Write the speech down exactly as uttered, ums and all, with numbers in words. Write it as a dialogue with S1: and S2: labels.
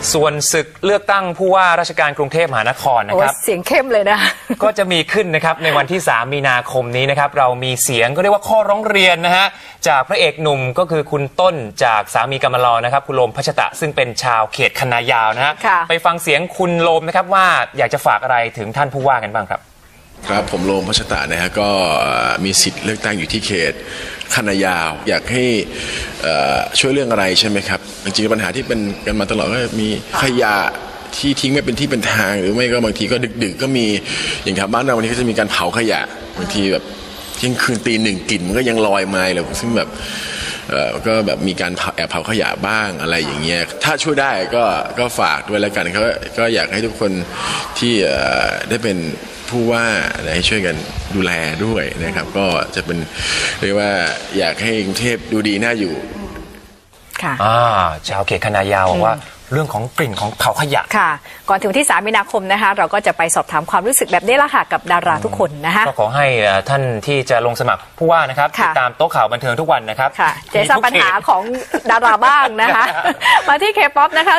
S1: ส่วนศึกเลือกตั้งผู้ว่าราชการกรุงเทพมหานครนะครับ
S2: เสียงเข้มเลยนะ
S1: ก็จะมีขึ้นนะครับในวันที่สามมีนาคมนี้นะครับเรามีเสียงก็เรียกว่าข้อร้องเรียนนะฮะจากพระเอกหนุ่มก็คือคุณต้นจากสามีกำมะลอนะครับคุณโลมพัชตะซึ่งเป็นชาวเขตคณะยาวนะฮะไปฟังเสียงคุณโลมนะครับว่าอยากจะฝากอะไรถึงท่านผู้ว่ากันบ้างครับ
S3: ครับผมโลมพัชตะนะฮะก็มีสิทธิ์เลือกตั้งอยู่ที่เขตคณะยาวอยากให้ช่วยเรื่องอะไรใช่ไหมครับจริงๆปัญหาที่เป็นกันมาตลอดก็มีขยะที่ทิ้งไม่เป็นที่เป็นทางหรือไม่ก็บางทีก็ดึกๆก็มีอย่างแถวบ้านเราวันนี้ก็จะมีการเผาขยะบางทีแบบเที่ยงคืนตีหนึ่งกลิ่นมันก็ยังลอยมาเลยซึ่งแบบก็แบบมีการแอบเผาขยะบ้างอะไรอย่างเงี้ยถ้าช่วยได้ก็ก็ฝากด้วยแล้วกันเขาก็อยากให้ทุกคนที่ได้เป็นผู้ว่าให้ช่วยกันดูแลด้วยนะครับก็จะเป็นเรียกว่าอยากให้กรุงเทพดูดีน่าอยู่
S2: ค่ะ
S1: ชาวเขตคณะยาวบอกว่าเรื่องของกลิ่นของเผาขยะ
S2: ค่ะก่อนถึงที่สามมีนาคมนะคะเราก็จะไปสอบถามความรู้สึกแบบนี้ละค่ะกับดาราทุกคนนะคะ
S1: ก็ขอให้ท่านที่จะลงสมัครผู้ว่านะครับติดตามโต๊ะข่าวบันเทิงทุกวันนะครับ
S2: ค่ะเจอปัญหาของดาราบ้างนะคะมาที่เคป๊อปนะคะ